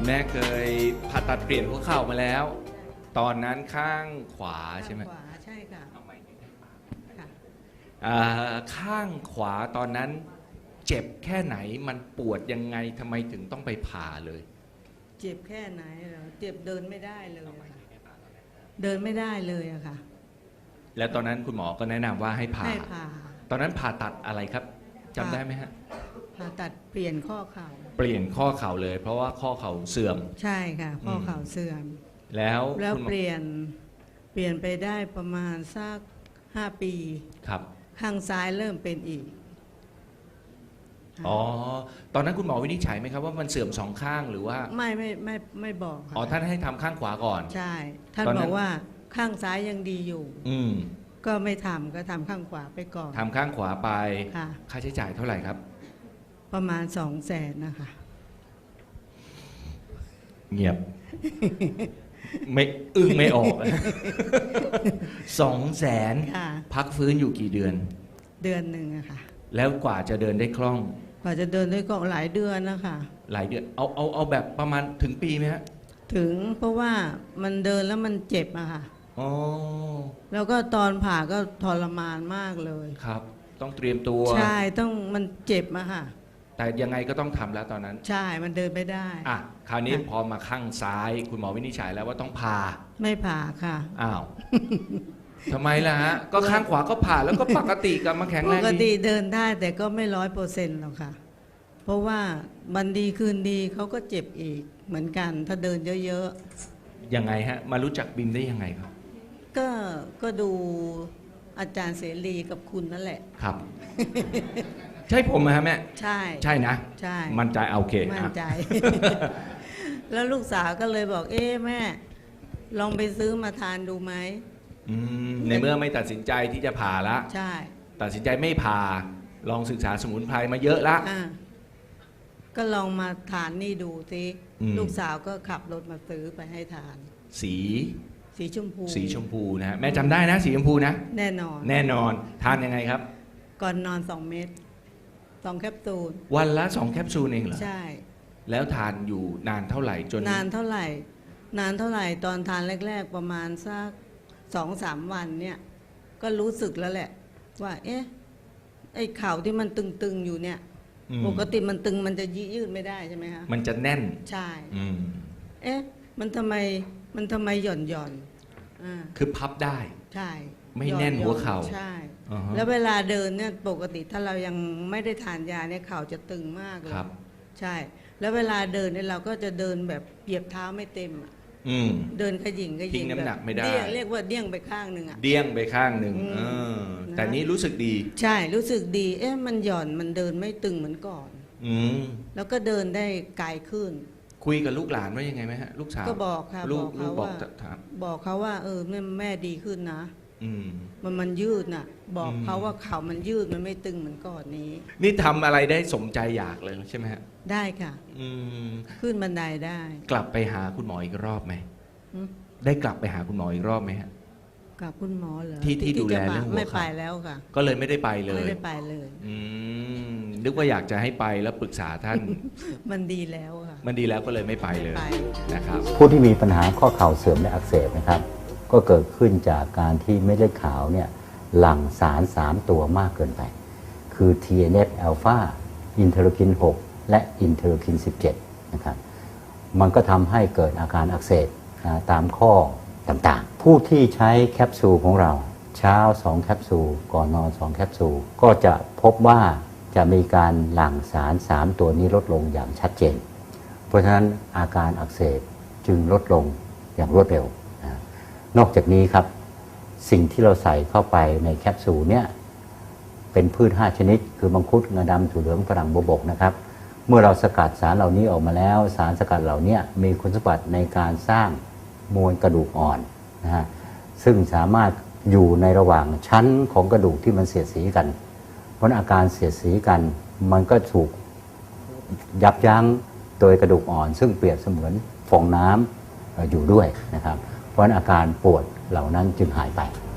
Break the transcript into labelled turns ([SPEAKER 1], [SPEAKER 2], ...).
[SPEAKER 1] แม่เคยผ่าตัดเปลี่ยนหัวเข่ามาแล้ว ตอนนั้นข้างขวาใช่ไหม
[SPEAKER 2] ข้างขวาใช่ค่ะค่ะ
[SPEAKER 1] ข้างขวาตอนนั้นเจ็บแค่ไหนมันปวดยังไงทำไมถึงต้องไปผ่าเลย
[SPEAKER 2] เจ็บแค่ไหนเหรอเจ็บเดินไม่ได้เลยค่ะเดินไม่ได้เลยอะค่ะ
[SPEAKER 1] แล้วตอนนั้นคุณหมอก็แนะนำว่าให้ผ่า
[SPEAKER 2] ให้ผ่า
[SPEAKER 1] ตอนนั้นผ่าตัดอะไรครับจำได้ไหมฮะ
[SPEAKER 2] ผ่าตัดเปลี่ยนข้อเข่า
[SPEAKER 1] เปลี่ยนข้อเข่าเลย เพราะว่าข้อเข่าเสื่อม
[SPEAKER 2] ใช่ค่ะข้อเข่าเสื่อม
[SPEAKER 1] แล้ว
[SPEAKER 2] แล้ว
[SPEAKER 1] คุณหมอ
[SPEAKER 2] เปลี่ยนไปได้ประมาณสัก5 ปี
[SPEAKER 1] ครับ
[SPEAKER 2] ข้างซ้ายเริ่มเป็นอีก
[SPEAKER 1] อ๋อตอนนั้นคุณหมอวินิจฉัยไหมครับว่ามันเสื่อมสองข้างหรือว่า
[SPEAKER 2] ไม่บอกค่ะ
[SPEAKER 1] อ๋อท่านให้ทำข้างขวาก่อน
[SPEAKER 2] ใช่ ท่าน
[SPEAKER 1] ตอนนั้
[SPEAKER 2] บ
[SPEAKER 1] น
[SPEAKER 2] อกว่าข้างซ้ายยังดีอยู่
[SPEAKER 1] อืม
[SPEAKER 2] ก็ไม่ทำก็ทำข้างขวาไปก่อน
[SPEAKER 1] ทำข้างขวาไป
[SPEAKER 2] ค่ะ
[SPEAKER 1] ค่าใช้จ่ายเท่าไหร่ครับ
[SPEAKER 2] ประมาณ200,000นะคะ
[SPEAKER 1] เงียบ ไม่อึ้งไม่ออก 200,000
[SPEAKER 2] ค่ะ
[SPEAKER 1] พักฟื้นอยู่กี่เดือน
[SPEAKER 2] เดือนหนึ่งอะค่ะ
[SPEAKER 1] แล้วกว่าจะเดินได้คล่อง
[SPEAKER 2] กว่าจะเดินได้ก็หลายเดือนนะคะ
[SPEAKER 1] หลายเดือนเอาแบบประมาณถึงปีไหมฮะ
[SPEAKER 2] ถึงเพราะว่ามันเดินแล้วมันเจ็บอะค่ะ
[SPEAKER 1] อ๋อ
[SPEAKER 2] แล้วก็ตอนผ่าก็ทรมานมากเลย
[SPEAKER 1] ครับ ต้องเตรียมตัว
[SPEAKER 2] ใช่ต้องมันเจ็บอะค่ะ
[SPEAKER 1] แต่ยังไงก็ต้องทำแล้วตอนนั้น
[SPEAKER 2] ใช่มันเดินไม่ได้
[SPEAKER 1] อ่ะคราวนี้
[SPEAKER 2] ค่ะ
[SPEAKER 1] พอมาข้างซ้าย คุณหมอวินิจฉัยแล้วว่าต้องผ่า
[SPEAKER 2] ไม่ผ่าค่ะ
[SPEAKER 1] อ้าว ทำไมล่ะฮะ ก็ข้างขวาก็ผ่าแล้วก็ปกติกลับมาแข็ง
[SPEAKER 2] ป
[SPEAKER 1] แรง
[SPEAKER 2] ก
[SPEAKER 1] ดี
[SPEAKER 2] ติเดินได้แต่ก็ไม่100%หรอกค่ะ เพราะว่าวันดีคืนดีเขาก็เจ็บอีกเหมือนกัน ถ้าเดินเยอะ
[SPEAKER 1] ยังไงฮะ มารู้จักบิมได้ยังไงครับ
[SPEAKER 2] ๆก็ดูอาจารย์เสรีกับคุณนั่นแหละ
[SPEAKER 1] ครับ ใช่ผมไหมฮะแม่
[SPEAKER 2] ใช่
[SPEAKER 1] ใช่นะ
[SPEAKER 2] ใช่
[SPEAKER 1] มั่นใจโอเค
[SPEAKER 2] มั่น
[SPEAKER 1] อ่ะ
[SPEAKER 2] ใจ แล้วลูกสาวก็เลยบอก เอ๊ะแม่ ลองไปซื้อมาทานดูไหม
[SPEAKER 1] ในเมื่อไม่ตัดสินใจที่จะผ่าละ
[SPEAKER 2] ใช่
[SPEAKER 1] ตัดสินใจไม่ผ่า ลองศึกษาสมุนไพรมาเยอะละ
[SPEAKER 2] อ่ะก็ลองมาทานนี่ดูสิ
[SPEAKER 1] อืม
[SPEAKER 2] ลูกสาวก็ขับรถมาซื้อไปให้ทาน
[SPEAKER 1] สี
[SPEAKER 2] สีชมพู
[SPEAKER 1] สีชมพูนะฮะแม่จำได้นะ สีชมพูนะ
[SPEAKER 2] แน่นอน
[SPEAKER 1] แน่นอนทานยังไงครับ
[SPEAKER 2] ก่อนนอน2 เม็ด2 แคปซูล
[SPEAKER 1] วันละ2 แคปซูลเองเหรอ
[SPEAKER 2] ใช่
[SPEAKER 1] แล้วทานอยู่นานเท่าไหร่จน
[SPEAKER 2] นานเท่าไหร่ นานเท่าไหร่ตอนทานแรก ๆ ประมาณสัก2-3 วันเนี่ย ก็รู้สึกแล้วแหละ ว่า เอ๊ะ ไอ้เข่าที่มันตึงๆอยู่เนี่ย
[SPEAKER 1] อืม
[SPEAKER 2] ปกติมันตึงมันจะยืดไม่ได้ใช่ไหมคะ
[SPEAKER 1] มันจะแน่น
[SPEAKER 2] ใช่
[SPEAKER 1] อืม
[SPEAKER 2] เอ๊ะ มันทำไมหย่อนอ่า
[SPEAKER 1] คือพับได้
[SPEAKER 2] ใช่
[SPEAKER 1] ไม่แน่นหัวเข่า
[SPEAKER 2] ใช่
[SPEAKER 1] อ่าฮะ
[SPEAKER 2] แล้วเวลาเดินเนี่ยปกติถ้าเรายังไม่ได้ทานยาเนี่ยเข่าจะตึงมากเลย
[SPEAKER 1] ครับ
[SPEAKER 2] ใช่ แล้วเวลาเดินเนี่ยเราก็จะเดินแบบเหยียบเท้าไม่เต็มอะ
[SPEAKER 1] อืม
[SPEAKER 2] เดินขยิง
[SPEAKER 1] ทิ้งน้ำหนักไม่ได้
[SPEAKER 2] เรียกว่าเดี้ยงไปข้างหนึ่งอ่ะ
[SPEAKER 1] เดี้ยงไปข้างหนึ่ง
[SPEAKER 2] อืม นะ
[SPEAKER 1] แต่นี้รู้สึกดี
[SPEAKER 2] ใช่รู้สึกดี เอ๊ะมันหย่อนมันเดินไม่ตึงเหมือนก่อน
[SPEAKER 1] อืม
[SPEAKER 2] แล้วก็เดินได้ไกลขึ้น
[SPEAKER 1] คุยกับลูกหลานว่ายังไงไหมฮะ ลูกสาว
[SPEAKER 2] ก็บอกค่ะ
[SPEAKER 1] ลู
[SPEAKER 2] บ
[SPEAKER 1] ก
[SPEAKER 2] อก
[SPEAKER 1] ลู
[SPEAKER 2] เขา
[SPEAKER 1] กบอก
[SPEAKER 2] ว่า
[SPEAKER 1] ถาม
[SPEAKER 2] บอกเขาว่า แม่ดีขึ้นนะ
[SPEAKER 1] อืม
[SPEAKER 2] มันยืดน่ะ บอก
[SPEAKER 1] อืม
[SPEAKER 2] เขาว่าเขามันยืดมันไม่ตึงเหมือนก่อนนี้
[SPEAKER 1] นี่ทำอะไรได้สมใจอยากเลยใช่ไหมฮะ
[SPEAKER 2] ได้ค่ะ
[SPEAKER 1] อืม
[SPEAKER 2] ขึ้นบันไดได้
[SPEAKER 1] กลับไปหาคุณหมออีกรอบไหม
[SPEAKER 2] อืม
[SPEAKER 1] ได้กลับไปหาคุณหมออีกรอบไหมฮะ
[SPEAKER 2] กับคุณหมอเหรอ
[SPEAKER 1] ที่ดูแล
[SPEAKER 2] จะมา
[SPEAKER 1] เรื่องหัว
[SPEAKER 2] ไม่
[SPEAKER 1] เข่า
[SPEAKER 2] ไปแล้วค่ะ
[SPEAKER 1] ก็เลยไม่ได้ไปเลย
[SPEAKER 2] ไม่ได้ไปเลย
[SPEAKER 1] อืมนึกว่าอยากจะให้ไปแล้วปรึกษาท่าน
[SPEAKER 2] มันดีแล้วค่ะ
[SPEAKER 1] มันดีแล้วก็เลยไม่ไปเลย
[SPEAKER 2] ไม่ไป
[SPEAKER 1] นะครับ
[SPEAKER 3] ผู้ที่มีปัญหาข้อเข่าเสื่อมและอักเสบนะครับ ก็เกิดขึ้นจากการที่เม็ดเลือดขาวเนี่ยหลั่งสาร 3 ตัวมากเกินไป คือ TNF อ l p h a อินเทอร์คิน 6 และอินเทอร์คิน 17 นะครับ มันก็ทำให้เกิดอาการอักเสบตามข้อต่างๆ ผู้ที่ใช้แคปซูลของเราเช้า 2 แคปซูล ก่อนนอน 2 แคปซูล ก็จะพบว่าจะมีการหลั่งสาร 3 ตัวนี้ลดลงอย่างชัดเจน เพราะฉะนั้นอาการอักเสบจึงลดลงอย่างรวดเร็วนะนอกจากนี้ครับ สิ่งที่เราใส่เข้าไปในแคปซูลเนี่ยเป็นพืช 5 ชนิด คือมังคุดงาดำถั่วเหลืองฝรั่งบัวบกนะครับ เมื่อเราสกัดสารเหล่านี้ออกมาแล้ว สารสกัดเหล่านี้มีคุณสมบัติในการสร้างมวลกระดูกอ่อนนะฮะซึ่งสามารถอยู่ในระหว่างชั้นของกระดูกที่มันเสียดสีกัน เพราะอาการเสียดสีกันมันก็ถูกยับยั้งโดยกระดูกอ่อน ซึ่งเปรียบเสมือนฟองน้ำอยู่ด้วยนะครับ เพราะอาการปวดเหล่านั้นจึงหายไป